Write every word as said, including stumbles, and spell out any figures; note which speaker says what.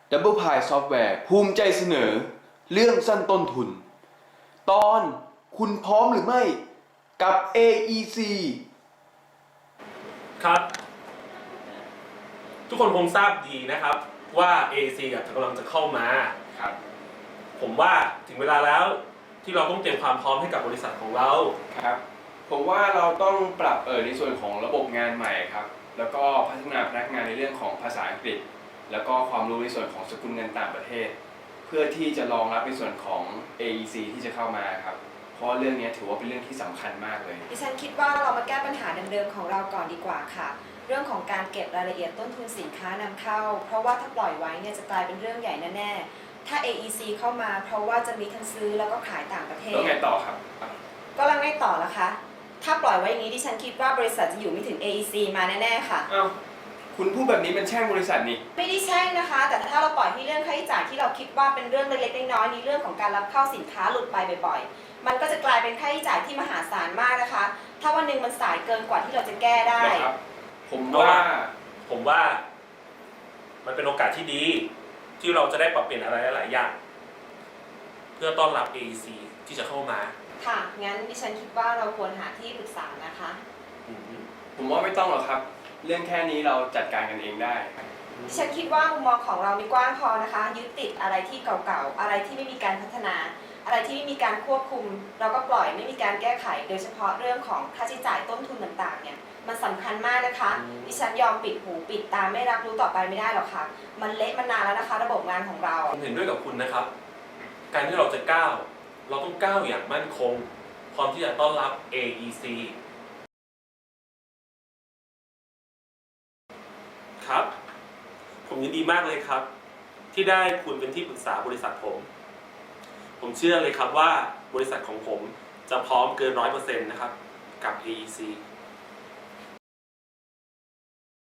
Speaker 1: Double Pie Software ภูมิใจเสนอเรื่องสั้นต้นทุน ตอนคุณพร้อมหรือไม่กับ เอ อี ซี
Speaker 2: ครับ ทุกคนคงทราบดีนะครับว่า เอ อี ซี กำลังจะเข้ามาครับผมว่าถึงเวลาแล้วที่เราต้องเตรียมความพร้อมให้กับบริษัทของเรา
Speaker 1: ครับผมว่าเราต้องปรับเออในส่วนของระบบงานใหม่ครับแล้วก็พัฒนาพนักงานในเรื่องของภาษาอังกฤษแล้วก็ความรู้ในส่วนของสกุลเงินต่างประเทศเพื่อที่จะรองรับในส่วนของ เอ อี ซี ที่จะเข้ามาครับเพราะเรื่องนี้ถือว่าเป็นเรื่องที่สำคัญมากเลย
Speaker 3: ดิฉันคิดว่าเรามาแก้ปัญหาเดิมๆของเราก่อนดีกว่าค่ะเรื่องของการเก็บรายละเอียดต้นทุนสินค้านำเข้าเพราะว่าถ้าปล่อยไว้เนี่ยจะกลายเป็นเรื่องใหญ่แน่ๆถ้า เอ อี ซี เข้ามาเพราะว่าจะมีทั้งซื้อแล้วก็ขายต่างประเทศ
Speaker 1: แล้วไงต่อครับ
Speaker 3: ก็แล้วไงต่อละคะถ้าปล่อยไว้อย่างนี้ดิฉันคิดว่าบริษัทจะอยู่ไม่ถึง เอ อี ซี มาแน่ๆค่ะ
Speaker 1: อ้าวคุณพูดแบบนี้เป็นแช่งบริษัทนี่
Speaker 3: ไม่ได้แช่งนะคะ แต่ถ้าเราปล่อยให้เรื่องค่าใช้จ่ายที่เราคิดว่าเป็นเรื่องเล็กๆน้อยๆในเรื่องของการรับเข้าสินค้าหลุดไปบ่อยๆมันก็จะกลายเป็นค่าใช้จ่ายที่มหาศาลมากนะคะถ้าวันหนึ่งมันสายเกินกว่าที่เราจะแก้ได้
Speaker 1: นะครับผมว่า
Speaker 2: ผมว่ามันเป็นโอกาสที่ดีที่เราจะได้ปรับเปลี่ยนอะไรหลายๆอย่างเพื่อต้อนรับ เอ อี ซี ที่จะเข้ามา
Speaker 3: ค่ะงั้นดิฉันคิดว่าเราควรหาที่ปรึกษานะคะ
Speaker 1: ผมว่าไม่ต้องหรอกครับเรื่องแค่นี้เราจัดการกันเองได้
Speaker 3: ดิฉันคิดว่ามุมมองของเรามีกว้างพอนะคะยึดติดอะไรที่เก่าๆอะไรที่ไม่มีการพัฒนาอะไรที่ไม่มีการควบคุมเราก็ปล่อยไม่มีการแก้ไขโดยเฉพาะเรื่องของค่าใช้จ่ายต้นทุนต่างๆเนี่ยมันสำคัญมากนะคะดิฉันยอมปิดหูปิดตาไม่รับรู้ต่อไปไม่ได้หรอกค่ะมันเละมานานแล้วนะคะระบบงานของเรา
Speaker 2: ผมเห็นด้วยกับคุณนะครับการที่เราจะก้าวเราต้องก้าวอย่างมั่นคงพร้อมที่จะต้อนรับ เอ อี ซี ครับผมยินดีมากเลยครับที่ได้คุณเป็นที่ปรึกษาบริษัทผมผมเชื่อเลยครับว่าบริษัทของผมจะพร้อมเกินร้อยเปอร์เซ็นต์นะครับกับ เอ อี ซี